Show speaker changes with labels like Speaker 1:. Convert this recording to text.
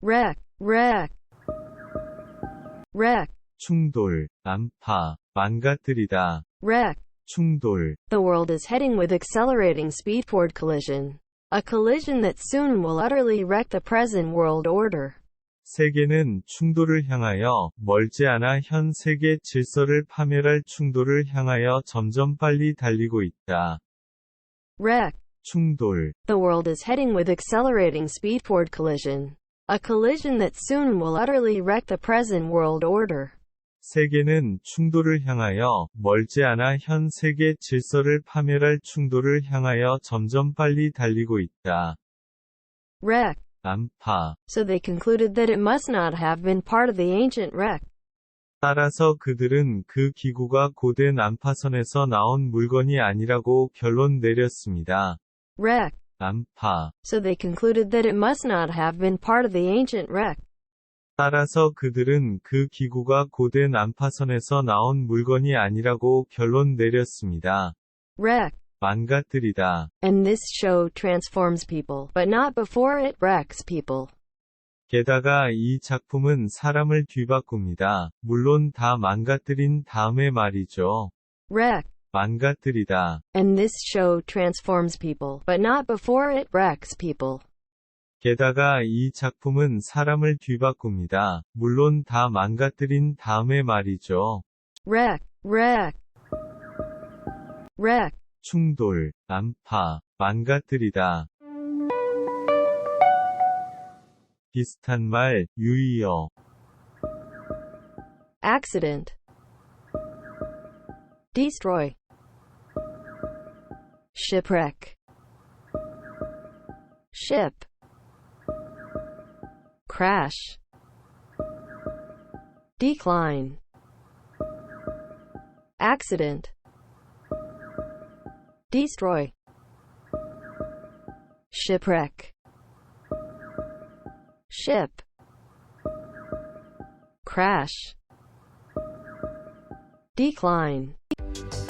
Speaker 1: wreck, wreck, wreck,
Speaker 2: 충돌, 난파, 망가뜨리다,
Speaker 1: wreck.
Speaker 2: 충돌,
Speaker 1: The world is heading with accelerating speed toward collision. A collision that soon will utterly wreck the present world order.
Speaker 2: 세계는 충돌을 향하여 멀지 않아 현 세계 질서를 파멸할 충돌을 향하여 점점 빨리 달리고 있다.
Speaker 1: Wreck.
Speaker 2: 충돌,
Speaker 1: The world is heading with accelerating speed toward collision. A collision that soon will utterly wreck the present world order.
Speaker 2: 세계는 충돌을 향하여 멀지 않아 현 세계 질서를 파멸할 충돌을 향하여 점점 빨리 달리고 있다.
Speaker 1: Wreck.
Speaker 2: 난파.
Speaker 1: So they concluded that it must not have been part of the ancient wreck.
Speaker 2: 따라서 그들은 그 기구가 고대 난파선에서 나온 물건이 아니라고 결론 내렸습니다.
Speaker 1: Wreck.
Speaker 2: 난파.
Speaker 1: So they concluded that it must not have been part of the ancient wreck.
Speaker 2: 따라서 그들은 그 기구가 고대 난파선에서 나온 물건이 아니라고 결론 내렸습니다.
Speaker 1: Wreck.
Speaker 2: 망가뜨리다.
Speaker 1: And this show transforms people, but not before it wrecks people.
Speaker 2: 게다가 이 작품은 사람을 뒤바꿉니다. 물론 다 망가뜨린 다음에 말이죠.
Speaker 1: Wreck.
Speaker 2: 망가뜨리다.
Speaker 1: And this show transforms people, but not before it wrecks people.
Speaker 2: 게다가 이 작품은 사람을 뒤바꿉니다. 물론 다 망가뜨린 다음에 말이죠.
Speaker 1: Wreck, wreck, wreck,
Speaker 2: 충돌, 난파, 망가뜨리다. 비슷한 말, 유의어.
Speaker 1: accident, destroy, shipwreck, ship, crash, decline, accident, destroy, shipwreck, ship, crash, decline.